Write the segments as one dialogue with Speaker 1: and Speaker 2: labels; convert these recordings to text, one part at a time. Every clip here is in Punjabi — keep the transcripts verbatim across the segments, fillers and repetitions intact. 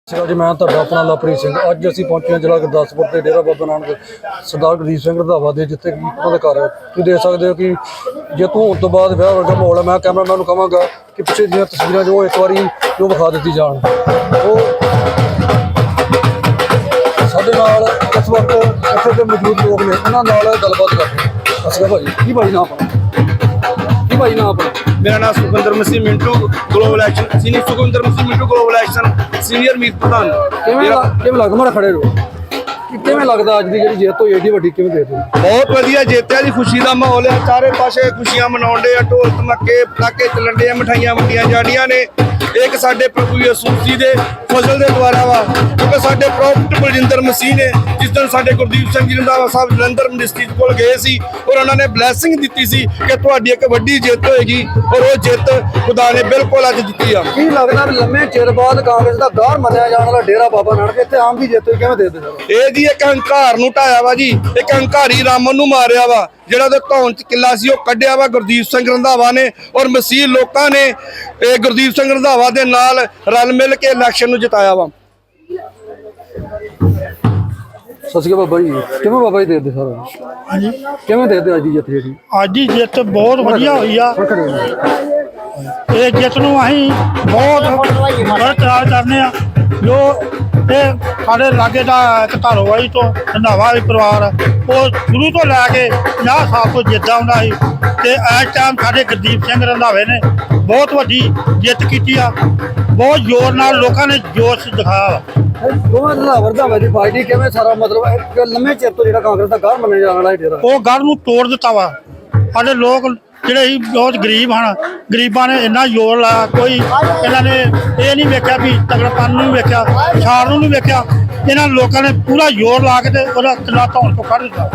Speaker 1: जी मैं तुहाडा अपना लवप्रीत सिंह। अज असीं पहुंचे हैं जिला गुरदासपुर के डेरा बाबा नानक सरदार गुरदीप सिंह रंधावा दे, जिथे उन्होंने घर तुसीं देख सकते हो कि जेतू होने तो बाद विआह वर्गा माहौल है। मैं कैमरामैन नूं कहांगा कि पिछे दी तस्वीरां जो एक बारी जो विखा दित्ती जाण। वो साडे नाल इस वक्त इत्थे दे मौजूद लोग ने, उन्हां नाल गलबात करदे। सत श्री अकाल भाई, की भाई नाम अपना, की भाई नाम अपना?
Speaker 2: मेरा नाम Sukhwinder Masih Mintu, global action senior Sukhwinder Masih Mintu, global action senior Meet प्रधान।
Speaker 1: किवें लगदा मारा खड़े रहो, किवें लगदा अज दी जिहड़ी जिੱਤ होई एडी वड्डी किवें देखदे?
Speaker 2: बहुत वधिया जिੱਤਿਆ जी, खुशी का माहौल है। चारे पासे खुशियां मनाउण डे, ढोल धमाके पटाके चलन डे, मिठाइयां वंडियां जाणियां ने। एक साडे प्रभु यसू जी दे फजल दे द्वारा वा, क्योंकि साडे प्रॉफिट बलजिंदर मसीह ने जिस दिन साडे गुरदीप सिंह जी रंधावा साहब जलंधर मिनिस्ट्री कोल गए सी और उन्होंने ब्लैसिंग दी सी कि तुहाडी एक वड्डी जिੱਤ होएगी, और वो जिੱਤ खुदा ने बिल्कुल अज दित्ती आ।
Speaker 1: की लगदा भी लम्मे चिर बाद कांग्रेस दा गौर मन्निया जाण वाला डेरा बाबा नानक इत्थे आम दी जिੱਤ होई, किवें देखदे सर?
Speaker 2: ਇਹ ਜੀ ਇੱਕ ਹੰਕਾਰ ਨੂੰ ਢਾਇਆ ਵਾ ਜੀ, ਇੱਕ ਹੰਕਾਰੀ ਰਾਮਨ ਨੂੰ ਮਾਰਿਆ ਵਾ, ਜਿਹੜਾ ਉਹਦੇ ਧੌਣ ਚ ਕਿੱਲਾ ਸੀ ਉਹ ਕੱਢਿਆ ਵਾ ਗੁਰਦੀਪ ਸਿੰਘ ਰੰਧਾਵਾ ਨੇ। ਔਰ ਮਸੀਹ ਲੋਕਾਂ ਨੇ ਇਹ ਗੁਰਦੀਪ ਸਿੰਘ ਰੰਧਾਵਾ ਦੇ ਨਾਲ ਰਲ ਮਿਲ ਕੇ ਇਲੈਕਸ਼ਨ ਨੂੰ ਜਿਤਾਇਆ ਵਾ।
Speaker 1: ਸਤਿ ਸ਼੍ਰੀ ਅਕਾਲ ਬਾਬਾ ਜੀ, ਕਿਵੇਂ ਬਾਬਾ ਜੀ ਦੇਖਦੇ ਸਰ? ਹਾਂਜੀ, ਕਿਵੇਂ ਦੇਖਦੇ ਅੱਜ ਦੀ ਜਿੱਤ ਜਿਹੜੀ?
Speaker 3: ਅੱਜ ਦੀ ਜਿੱਤ ਬਹੁਤ ਵਧੀਆ ਹੋਈ ਆ। ਇਹ ਜਿੱਤ ਨੂੰ ਅਸੀਂ ਬਹੁਤ ਬਰਕਰਾਰ ਕਰਨੇ ਆ। ਜੋ ਇਹ ਸਾਡੇ ਲਾਗੇ ਦਾ ਇੱਕ ਧਾਰੋਵਾਲੀ ਤੋਂ ਰੰਧਾਵਾ ਪਰਿਵਾਰ ਉਹ ਸ਼ੁਰੂ ਤੋਂ ਲੈ ਕੇ ਪੰਜਾਹ ਸਾਲ ਤੋਂ ਜਿੱਤਦਾ ਹੁੰਦਾ ਸੀ, ਤੇ ਇਸ ਟਾਈਮ ਸਾਡੇ ਗੁਰਦੀਪ ਸਿੰਘ ਰੰਧਾਵੇ ਨੇ ਬਹੁਤ ਵੱਡੀ ਜਿੱਤ ਕੀਤੀ ਆ। ਬਹੁਤ ਜ਼ੋਰ ਨਾਲ ਲੋਕਾਂ ਨੇ ਜੋਸ਼ ਦਿਖਾਇਆ ਵਾ।
Speaker 1: ਦੋਵਾਂ ਰੰਧਾਵਾ ਰੰਧਾਵਾ ਦੀ ਪਾਰਟੀ ਕਿਵੇਂ ਸਾਰਾ ਮਤਲਬ ਇੱਕ ਲੰਮੇ ਚਿਰ ਤੋਂ ਜਿਹੜਾ ਕਾਂਗਰਸ ਦਾ ਗੌਰ ਮੰਨਿਆ ਜਾਣ ਵਾਲਾ ਡੇਰਾ,
Speaker 3: ਉਹ ਗੜ ਨੂੰ ਤੋੜ ਦਿੱਤਾ ਵਾ। ਸਾਡੇ ਲੋਕ ਜਿਹੜੇ ਸੀ ਬਹੁਤ ਗਰੀਬ ਹਨ, ਗਰੀਬਾਂ ਨੇ ਇੰਨਾ ਜ਼ੋਰ ਲਾਇਆ, ਕੋਈ ਇਹਨਾਂ ਨੇ ਇਹ ਨਹੀਂ ਵੇਖਿਆ ਵੀ ਤਗੜਪਨ ਨੂੰ ਵੇਖਿਆ, ਛਾੜ ਨੂੰ ਨਹੀਂ ਵੇਖਿਆ। ਇਹਨਾਂ ਲੋਕਾਂ ਨੇ ਪੂਰਾ ਜ਼ੋਰ ਲਾ ਕੇ ਤੇ ਉਹਦਾ ਕਿਲਾ ਧੌਣ ਤੋਂ ਕੱਢ ਦਿੱਤਾ।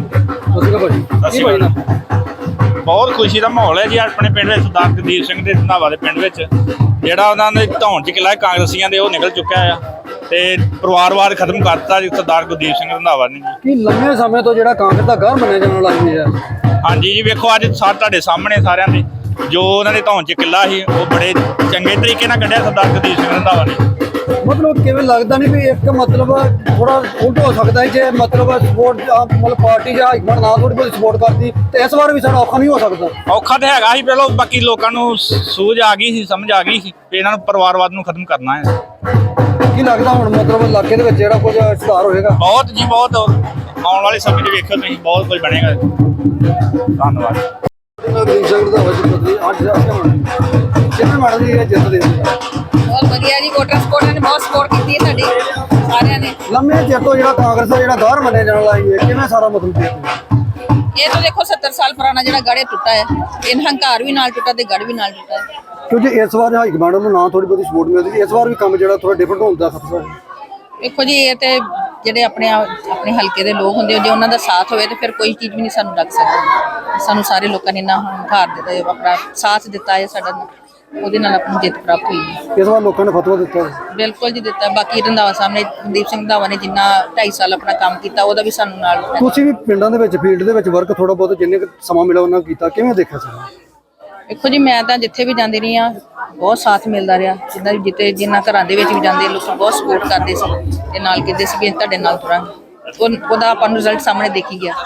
Speaker 4: ਬਹੁਤ ਖੁਸ਼ੀ ਦਾ ਮਾਹੌਲ ਹੈ ਜੀ ਆਪਣੇ ਪਿੰਡ ਵਿੱਚ। ਸਰਦਾਰ ਗੁਰਦੀਪ ਸਿੰਘ ਦੇ ਰੰਧਾਵਾ ਦੇ ਪਿੰਡ ਵਿੱਚ ਜਿਹੜਾ ਉਹਨਾਂ ਦੇ ਧੌਣ 'ਚ ਕਿਲਾ ਕਾਂਗਰਸੀਆਂ ਦੇ ਉਹ ਨਿਕਲ ਚੁੱਕਿਆ ਆ, ਤੇ ਪਰਿਵਾਰਵਾਦ ਖਤਮ ਕਰਤਾ ਜੀ ਸਰਦਾਰ ਗੁਰਦੀਪ ਸਿੰਘ ਰੰਧਾਵਾ ਨੇ।
Speaker 1: ਕੀ ਲੰਮੇ ਸਮੇਂ ਤੋਂ ਜਿਹੜਾ ਕਾਂਗਰਸ ਦਾ ਗੌਰ ਮੰਨਿਆ ਜਾਣ ਵਾਲਾ ਇਹ ਹੈ?
Speaker 4: ਹਾਂਜੀ ਜੀ, ਵੇਖੋ ਅੱਜ ਸਾ ਤੁਹਾਡੇ ਸਾਹਮਣੇ ਸਾਰਿਆਂ ਦੇ ਜੋ ਉਹਨਾਂ ਦੇ ਧੌਣ 'ਚ ਕਿਲਾ ਸੀ ਉਹ ਬੜੇ ਚੰਗੇ ਤਰੀਕੇ ਨਾਲ ਕੱਢਿਆ ਸਰਦਾਰ ਗੁਰਦੀਪ ਸਿੰਘ ਰੰਧਾਵਾ ਨੇ।
Speaker 1: ਮਤਲਬ ਕਿਵੇਂ ਲੱਗਦਾ ਨਹੀਂ ਵੀ ਇੱਕ ਮਤਲਬ ਥੋੜਾ ਉਲਟ ਹੋ ਸਕਦਾ ਹੈ ਜੇ ਮਤਲਬ ਸਪੋਰਟ ਮਤਲਬ ਪਾਰਟੀ ਜਾਂ ਹਾਈਕਮਾਂਡ ਨਾ ਥੋੜੀ ਬਹੁਤ ਸਪੋਰਟ ਕਰਦੀ ਤੇ ਇਸ ਵਾਰ ਵੀ ਸਾਡਾ ਔਖਾ ਨਹੀਂ ਹੋ ਸਕਦਾ?
Speaker 4: ਔਖਾ ਤਾਂ ਹੈਗਾ ਸੀ, ਪਹਿਲਾਂ ਬਾਕੀ ਲੋਕਾਂ ਨੂੰ ਸੂਝ ਆ ਗਈ ਸੀ, ਸਮਝ ਆ ਗਈ ਸੀ ਵੀ ਇਹਨਾਂ ਨੂੰ ਪਰਿਵਾਰਵਾਦ ਨੂੰ ਖਤਮ ਕਰਨਾ ਹੈ।
Speaker 1: ਕੀ ਲੱਗਦਾ ਹੁਣ ਮਤਲਬ ਇਲਾਕੇ ਦੇ ਵਿੱਚ ਜਿਹੜਾ ਕੁਝ ਸੁਧਾਰ ਹੋਏਗਾ?
Speaker 4: ਬਹੁਤ ਜੀ ਬਹੁਤ, ਆਉਣ ਵਾਲੇ ਸਮੇਂ 'ਚ ਵੇਖਿਓ ਤੁਸੀਂ ਬਹੁਤ ਕੁਝ ਬਣੇਗਾ। ਧੰਨਵਾਦ।
Speaker 1: ਗੁਰਦੀਪ ਸਿੰਘ ਰੰਧਾਵਾ ਜੀ ਬਦਲੀ ਅੱਜ ਕਿਵੇਂ ਮਾੜਾ ਜੀ ਇਹ ਜਿੱਤ ਦੇ
Speaker 5: ਬਹੁਤ ਵਧੀਆ ਜੀ, ਵੋਟਰ ਸਪੋਰਟ ਨੇ ਬਹੁਤ ਸਪੋਰਟ ਕੀਤੀ ਹੈ ਸਾਡੀ ਸਾਰਿਆਂ ਨੇ।
Speaker 1: ਲੰਮੇ ਚਿਰ ਤੋਂ ਜਿਹੜਾ ਕਾਂਗਰਸ ਦਾ ਜਿਹੜਾ ਗੌਰ ਮੰਨਿਆ ਜਾਣ ਵਾਲਾ ਇਹ ਕਿਵੇਂ ਸਾਰਾ ਮਤਲਬ ਦੇਖਦੇ?
Speaker 5: ਇਹ ਤਾਂ ਦੇਖੋ ਸੱਤਰ ਸਾਲ ਪੁਰਾਣਾ ਜਿਹੜਾ ਗੜ੍ਹ ਟੁੱਟਾ ਹੈ, ਇਹ ਹੰਕਾਰ ਵੀ ਨਾਲ ਟੁੱਟਾ ਤੇ ਗੜ੍ਹ ਵੀ ਨਾਲ ਟੁੱਟਾ ਹੈ।
Speaker 1: ਕਿਉਂਕਿ ਇਸ ਵਾਰ ਹਾਈਕਮਾਂਡ ਨੂੰ ਨਾ ਥੋੜੀ ਬਹੁਤੀ ਸਪੋਰਟ ਮਿਲਦੀ, ਇਸ ਵਾਰ ਵੀ ਕੰਮ ਜਿਹੜਾ ਥੋੜਾ ਡਿਫਰੈਂਟ ਹੋਣ ਦਾ ਖਤਰਾ ਹੈ।
Speaker 5: ਦੇਖੋ ਜੀ, ਇਹ ਤੇ ਜਿਹੜੇ ਆਪਣੇ ਆਪਣੇ ਹਲਕੇ ਦੇ ਲੋਕ ਹੁੰਦੇ, ਜੇ ਉਹਨਾਂ ਦਾ ਸਾਥ ਹੋਵੇ ਤੇ ਫਿਰ ਕੋਈ ਚੀਜ਼ ਵੀ ਨਹੀਂ ਸਾਨੂੰ ਲੱਗ ਸਕਦੀ। ਸਾਨੂੰ ਸਾਰੇ ਲੋਕਾਂ ਨੇ ਇੰਨਾ ਹੰਕਾਰ ਦਿੱਤਾ, ਆਪਣਾ ਸਾਥ ਦਿੱਤਾ ਹੈ ਸਾਡਾ, ਉਹਦੇ ਨਾਲ ਆਪਣੀ ਜਿੱਤ ਪ੍ਰਾਪਤ ਹੋਈ ਹੈ।
Speaker 1: ਇਸ ਵਾਰ ਲੋਕਾਂ ਨੇ ਫਤਵਾ ਦਿੱਤਾ
Speaker 5: ਬਿਲਕੁਲ ਜੀ ਦਿੱਤਾ। ਬਾਕੀ ਰੰਧਾਵਾ ਸਾਹਿਬ ਨੇ, ਗੁਰਦੀਪ ਸਿੰਘ ਰੰਧਾਵਾ ਨੇ ਜਿੰਨਾ ਢਾਈ ਸਾਲ ਆਪਣਾ ਕੰਮ ਕੀਤਾ ਉਹਦਾ ਵੀ ਸਾਨੂੰ ਨਾਲ।
Speaker 1: ਤੁਸੀਂ ਵੀ ਪਿੰਡਾਂ ਦੇ ਵਿੱਚ ਫੀਲਡ ਦੇ ਵਿੱਚ ਵਰਕ ਥੋੜਾ ਬਹੁਤ ਜਿੰਨੇ ਕੁ ਸਮਾਂ ਮਿਲਿਆ ਉਹਨਾਂ ਕੀਤਾ, ਕਿਵੇਂ ਦੇਖਿਆ ਸੀ?
Speaker 5: ਦੇਖੋ ਜੀ, ਮੈਂ ਤਾਂ ਜਿੱਥੇ ਵੀ ਜਾਂਦੀ ਰਹੀ ਹਾਂ ਬਹੁਤ ਸਾਥ ਮਿਲਦਾ ਰਿਹਾ। ਜਿੱਦਾਂ ਜਿੱਤੇ ਜਿੰਨਾ ਘਰਾਂ ਦੇ ਵਿੱਚ ਵੀ ਜਾਂਦੇ ਲੋਕ ਬਹੁਤ ਸਪੋਰਟ ਕਰਦੇ ਸੀ ਤੇ ਨਾਲ ਕਹਿੰਦੇ ਸੀ ਵੀ ਤੁਹਾਡੇ ਨਾਲ ਤੁਰਾਂਗੇ। ਉਹਦਾ ਆਪਾਂ ਨੂੰ ਰਿਜ਼ਲਟ ਸਾਹਮਣੇ ਦੇਖੀ ਗਿਆ।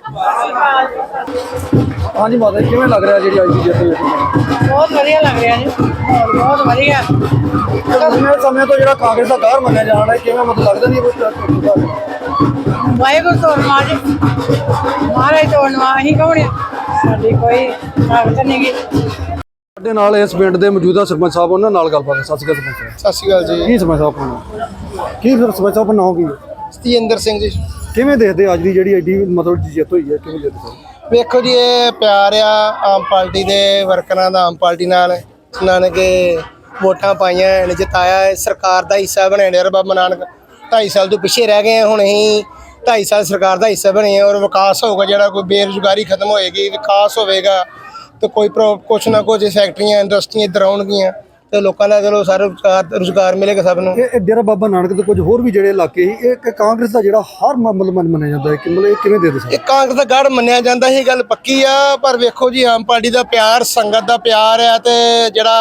Speaker 1: ਹਾਂਜੀ ਮਾਤਾ, ਕਿਵੇਂ ਲੱਗ ਰਿਹਾ ਜਿਹੜੀ ਅੱਜ ਦੀ ਜਿੱਤ ਹੋਈ?
Speaker 6: ਬਹੁਤ ਵਧੀਆ ਲੱਗ ਰਿਹਾ ਜੀ, ਬਹੁਤ ਵਧੀਆ।
Speaker 1: ਲੰਮੇ ਸਮੇਂ ਤੋਂ ਜਿਹੜਾ ਕਾਂਗਰਸ ਦਾ ਗੌਰ ਮੰਨਿਆ ਜਾਣ ਵਾਲਾ ਕਿਵੇਂ ਮਤਲਬ ਲੱਗਦਾ ਨਹੀਂ
Speaker 6: ਵਾਹਿਗੁਰੂ ਤੋੜਨਾ ਜੀ, ਮਹਾਰਾਜ ਤੋੜਨਾ, ਅਸੀਂ ਕੌਣ ਆ? ਸਾਡੀ ਕੋਈ ਤਾਕਤ ਨਹੀਂ ਗੀ।
Speaker 1: ਸਾਡੇ ਨਾਲ ਇਸ ਪਿੰਡ ਦੇ ਮੌਜੂਦਾ ਸਰਪੰਚ ਸਾਹਿਬ, ਉਹਨਾਂ ਨਾਲ ਗੱਲਬਾਤ ਹੈ। ਸਤਿ ਸ਼੍ਰੀ ਅਕਾਲ ਸਰਪੰਚ ਸਾਹਿਬ।
Speaker 2: ਸਤਿ ਸ਼੍ਰੀ ਅਕਾਲ ਜੀ।
Speaker 1: ਕੀ ਸਰਪੰਚ ਸਾਹਿਬ ਆਪਣਾ ਕੀ ਫਿਰ ਸਰਪੰਚ ਸਾਹਿਬ ਨਾਮ ਕੀ?
Speaker 2: ਸਤਿੰਦਰ ਸਿੰਘ ਜੀ।
Speaker 1: ਕਿਵੇਂ ਦੇਖਦੇ ਅੱਜ ਦੀ ਜਿਹੜੀ ਐਡੀ ਮਤਲਬ ਜਿੱਤ ਹੋਈ ਹੈ, ਕਿਵੇਂ ਦੇਖਦੇ?
Speaker 7: ਵੇਖੋ ਜੀ, ਇਹ ਪਿਆਰ ਆ ਆਮ ਪਾਰਟੀ ਦੇ ਵਰਕਰਾਂ ਦਾ ਆਮ ਪਾਰਟੀ ਨਾਲ, ਜਿਨ੍ਹਾਂ ਨੇ ਕਿ ਵੋਟਾਂ ਪਾਈਆਂ ਨੇ, ਜਿਤਾਇਆ, ਸਰਕਾਰ ਦਾ ਹਿੱਸਾ ਬਣੇ ਡੇਰਾ ਬਾਬਾ ਨਾਨਕ। ਢਾਈ ਸਾਲ ਤੋਂ ਪਿੱਛੇ ਰਹਿ ਗਏ, ਹੁਣ ਅਸੀਂ ਢਾਈ ਸਾਲ ਸਰਕਾਰ ਦਾ ਹਿੱਸਾ ਬਣੇ ਆ, ਔਰ ਵਿਕਾਸ ਹੋਊਗਾ ਜਿਹੜਾ, ਕੋਈ ਬੇਰੁਜ਼ਗਾਰੀ ਖਤਮ ਹੋਏਗੀ, ਵਿਕਾਸ ਹੋਵੇਗਾ, ਤੇ ਕੋਈ ਕੁਛ ਨਾ ਕੁਛ ਫੈਕਟਰੀਆਂ ਇੰਡਸਟਰੀਆਂ ਇੱਧਰ ਆਉਣਗੀਆਂ ਤੇ ਲੋਕਾਂ ਦਾ ਚਲੋ ਸਾਰਾ ਰੁਜ਼ਗਾਰ ਰੁਜ਼ਗਾਰ ਮਿਲੇਗਾ ਸਭ ਨੂੰ।
Speaker 1: ਇਹ ਡੇਰਾ ਬਾਬਾ ਨਾਨਕ ਦੇ ਕੁਝ ਹੋਰ ਵੀ ਜਿਹੜੇ ਇਲਾਕੇ ਸੀ, ਇਹ ਕਾਂਗਰਸ ਦਾ ਜਿਹੜਾ ਹਰ ਮਤਲਬ ਮੰਨਿਆ ਜਾਂਦਾ ਹੈ ਕਿ ਮਤਲਬ ਇਹ ਕਿਵੇਂ ਦੇ ਦੇ
Speaker 7: ਇਹ ਕਾਂਗਰਸ ਦਾ ਗੜ੍ਹ ਮੰਨਿਆ ਜਾਂਦਾ, ਇਹ ਗੱਲ ਪੱਕੀ ਆ। ਪਰ ਵੇਖੋ ਜੀ, ਆਮ ਪਾਰਟੀ ਦਾ ਪਿਆਰ, ਸੰਗਤ ਦਾ ਪਿਆਰ ਆ, ਤੇ ਜਿਹੜਾ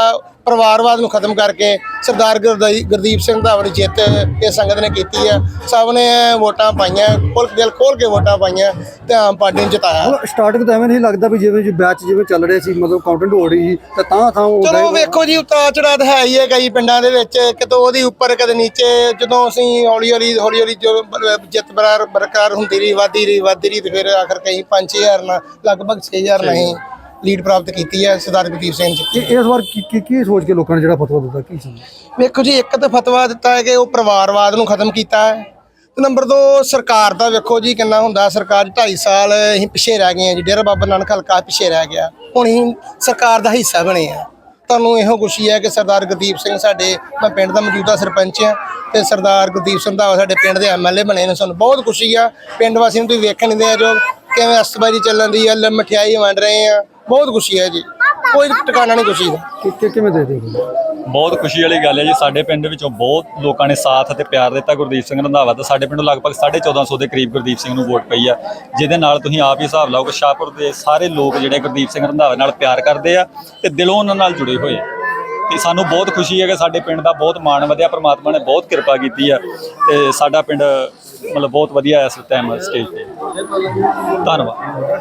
Speaker 7: ਪਰਿਵਾਰਵਾਦ ਨੂੰ ਖਤਮ ਕਰਕੇ ਸਰਦਾਰ ਗੁਰਦਾਈ- ਗੁਰਦੀਪ ਸਿੰਘ ਰੰਧਾਵਾ ਦੀ ਜਿੱਤ ਇਹ ਸੰਗਤ ਨੇ ਕੀਤੀ ਹੈ। ਸਭ ਨੇ ਵੋਟਾਂ ਪਾਈਆਂ, ਖੋਲ ਦਿਲ ਖੋਲ ਕੇ ਵੋਟਾਂ ਪਾਈਆਂ ਤੇ ਆਮ ਪਾਰਟੀ ਨੂੰ ਜਿਤਾਇਆ।
Speaker 1: ਸਟਾਰਟਿੰਗ ਤਾਂ ਐਵੇਂ ਨਹੀਂ ਲੱਗਦਾ ਵੀ ਜਿਵੇਂ ਜੀ ਬੈਚ ਜਿਵੇਂ ਚੱਲ ਰਹੇ ਸੀ, ਮਤਲਬ ਕਾਊਂਟਿੰਗ ਹੋ ਰਹੀ ਸੀ ਤਾਂ ਤਾਂ ਥਾਂ ਉਹ
Speaker 7: ਚਲੋ ਵੇਖੋ ਜੀ, ਉਤਾਰ ਚੜਾਅ ਤਾਂ ਹੈ ਹੀ ਹੈ ਕਈ ਪਿੰਡਾਂ ਦੇ ਵਿੱਚ, ਕਿਤੇ ਉਹਦੀ ਉੱਪਰ ਕਦੇ ਨੀਚੇ। ਜਦੋਂ ਅਸੀਂ ਹੌਲੀ ਹੌਲੀ ਹੌਲੀ ਹੌਲੀ ਜੋ ਬ- ਜਿੱਤ ਬਰਾਰ ਬਰਕਰਾਰ ਹੁੰਦੀ ਰਹੀ, ਵੱਧਦੀ ਰਹੀ ਵੱਧਦੀ ਰਹੀ ਤੇ ਫਿਰ ਆਖਰ ਕਈ ਪੰਜ ਛੇ ਹਜ਼ਾਰ ਨਾਲ ਲਗਭਗ ਛੇ ਹਜ਼ਾਰ ਨਾਲ ਹੀ ਲੀਡ ਪ੍ਰਾਪਤ ਕੀਤੀ ਹੈ ਸਰਦਾਰ ਗੁਰਦੀਪ ਸਿੰਘ ਜੀ।
Speaker 1: ਇਹ- ਇਸ ਵਾਰ ਕੀ ਕੀ- ਕੀ ਸੋਚ ਕੇ ਲੋਕਾਂ ਨੇ ਜਿਹੜਾ ਫਤਵਾ ਦਿੱਤਾ, ਕੀ ਸਮਝ?
Speaker 7: ਵੇਖੋ ਜੀ, ਇੱਕ ਤਾਂ ਫਤਵਾ ਦਿੱਤਾ ਹੈ ਕਿ ਉਹ ਪਰਿਵਾਰਵਾਦ ਨੂੰ ਖਤਮ ਕੀਤਾ ਹੈ ਤੇ ਨੰਬਰ ਦੋ ਸਰਕਾਰ ਦਾ ਵੇਖੋ ਜੀ ਕਿੰਨਾ ਹੁੰਦਾ। ਸਰਕਾਰ ਢਾਈ ਸਾਲ ਅਸੀਂ ਪਿੱਛੇ ਰਹਿ ਗਏ ਹਾਂ ਜੀ, ਡੇਰਾ ਬਾਬਾ ਨਾਨਕ ਹਲਕਾ ਪਿੱਛੇ ਰਹਿ ਗਿਆ, ਹੁਣ ਅਸੀਂ ਸਰਕਾਰ ਦਾ ਹਿੱਸਾ ਬਣੇ ਆ। ਤੁਹਾਨੂੰ ਇਹੋ ਖੁਸ਼ੀ ਹੈ ਕਿ ਸਰਦਾਰ ਗੁਰਦੀਪ ਸਿੰਘ ਸਾਡੇ, ਮੈਂ ਪਿੰਡ ਦਾ ਮੌਜੂਦਾ ਸਰਪੰਚ ਹਾਂ ਤੇ ਸਰਦਾਰ ਗੁਰਦੀਪ ਸਿੰਘ ਰੰਧਾਵਾ ਸਾਡੇ ਪਿੰਡ ਦੇ ਐਮ ਐਲ ਏ ਬਣੇ ਨੇ। ਸਾਨੂੰ ਬਹੁਤ ਖੁਸ਼ੀ ਆ। ਪਿੰਡ ਵਾਸੀਆਂ ਨੂੰ ਤੁਸੀਂ ਵੇਖਣ ਦੇ ਆ ਜੋ ਕਿਵੇਂ ਅਸਤਬਾਜੀ ਚੱਲਣ ਦੀ ਆ, ਲ- ਮਠਿਆਈ ਵੰਡ ਰਹੇ ਆ, ਬਹੁਤ ਖੁਸ਼ੀ ਹੈ ਜੀ, ਕੋਈ ਟਿਕਾਣਾ ਨਹੀਂ ਖੁਸ਼ੀ ਦਾ।
Speaker 1: ਕਿ- ਕਿ- ਕਿਵੇਂ ਦੇ ਦੇ
Speaker 8: ਬਹੁਤ ਖੁਸ਼ੀ ਵਾਲੀ ਗੱਲ ਹੈ ਜੀ। ਸਾਡੇ ਪਿੰਡ ਵਿੱਚੋਂ ਬਹੁਤ ਲੋਕਾਂ ਨੇ ਸਾਥ ਅਤੇ ਪਿਆਰ ਦਿੱਤਾ ਗੁਰਦੀਪ ਸਿੰਘ ਰੰਧਾਵਾ ਦਾ। ਸਾਡੇ ਪਿੰਡੋਂ ਲਗਭਗ ਸਾਢੇ ਚੌਦਾਂ ਸੌ ਦੇ ਕਰੀਬ ਗੁਰਦੀਪ ਸਿੰਘ ਨੂੰ ਵੋਟ ਪਈ ਆ, ਜਿਹਦੇ ਨਾਲ ਤੁਸੀਂ ਆਪ ਹੀ ਹਿਸਾਬ ਲਾਓ ਕਿ ਸ਼ਾਹਪੁਰ ਦੇ ਸਾਰੇ ਲੋਕ ਜਿਹੜੇ ਗੁਰਦੀਪ ਸਿੰਘ ਰੰਧਾਵਾ ਨਾਲ ਪਿਆਰ ਕਰਦੇ ਆ ਤੇ ਦਿਲੋਂ ਉਹਨਾਂ ਨਾਲ ਜੁੜੇ ਹੋਏ ਆ। ਤੇ ਸਾਨੂੰ ਬਹੁਤ ਖੁਸ਼ੀ ਹੈ ਕਿ ਸਾਡੇ ਪਿੰਡ ਦਾ ਬਹੁਤ ਮਾਣ ਵਧਿਆ, ਪ੍ਰਮਾਤਮਾ ਨੇ ਬਹੁਤ ਕਿਰਪਾ ਕੀਤੀ ਆ ਤੇ ਸਾਡਾ ਪਿੰਡ ਮਤਲਬ ਬਹੁਤ ਵਧੀਆ ਇਸ ਟਾਈਮ ਸਟੇਜ ਤੇ। ਧੰਨਵਾਦ।